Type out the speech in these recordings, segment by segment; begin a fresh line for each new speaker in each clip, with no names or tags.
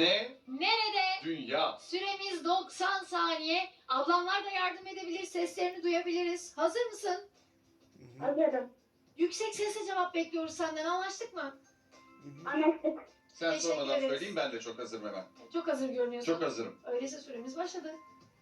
Ne?
Nerede?
Dünya.
Süremiz 90 saniye. Ablamlar da yardım edebilir, seslerini duyabiliriz. Hazır mısın?
Hazırım.
Yüksek sesle cevap bekliyoruz senden. Anlaştık mı?
Anlaştık.
Sen
Teşekkür
sormadan
ederiz.
söyleyeyim, ben de çok hazırım hemen.
Çok hazır görünüyorsun.
Çok hazırım.
Öyleyse süremiz başladı.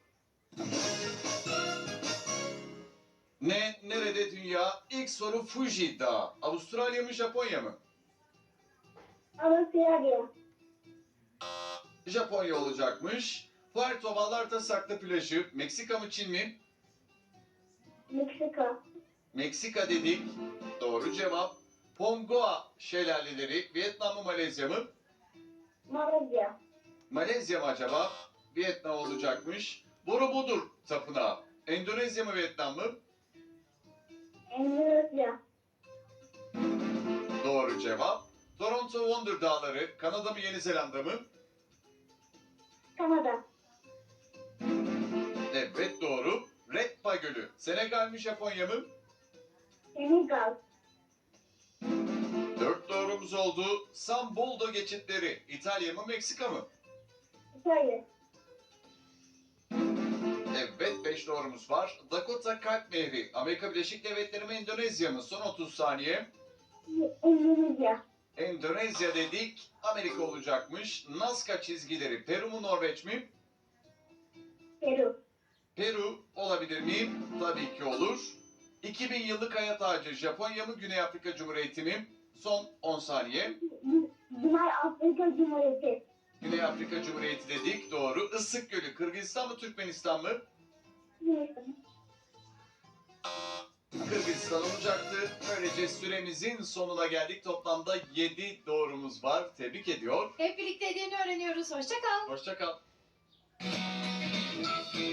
Ne? Nerede dünya? İlk soru Fuji Dağı. Avustralya mı Japonya mı?
Avustralya.
Japonya olacakmış. Puerto Vallarta saklı plajı. Meksika mı Çin mi?
Meksika.
Meksika dedik. Doğru cevap. Pongoa şelaleleri. Vietnam mı Malezya mı?
Malezya.
Malezya mı acaba? Vietnam olacakmış. Borobudur tapınağı. Endonezya mı Vietnam mı?
Endonezya.
Doğru cevap. Toronto Wonder Dağları. Kanada mı Yeni Zelanda mı?
Kanada.
Evet doğru. Redpa Gölü. Senegal mi Japonya mı?
Senegal.
4 doğrumuz oldu. San Boldo geçitleri. İtalya mı Meksika mı?
İtalya.
Evet 5 doğrumuz var. Dakota Kalp Nehri. Amerika Birleşik Devletleri mi Endonezya mı? Son 30 saniye.
Endonezya.
Endonezya dedik. Amerika olacakmış. Nazca çizgileri. Peru mu Norveç mi?
Peru.
Peru olabilir miyim? Tabii ki olur. 2000 yıllık hayat ağacı Japonya mı Güney Afrika Cumhuriyeti mi? Son 10 saniye.
Güney Afrika Cumhuriyeti.
Güney Afrika Cumhuriyeti dedik. Doğru. Isık Gölü. Kırgızistan mı Türkmenistan mı?
Yunanistan.
Kırgızistan olacaktı. Böylece süremizin sonuna geldik. Toplamda 7 doğrumuz var. Tebrik ediyor.
Hep birlikte hediyeni öğreniyoruz. Hoşça kal.
Hoşça kal.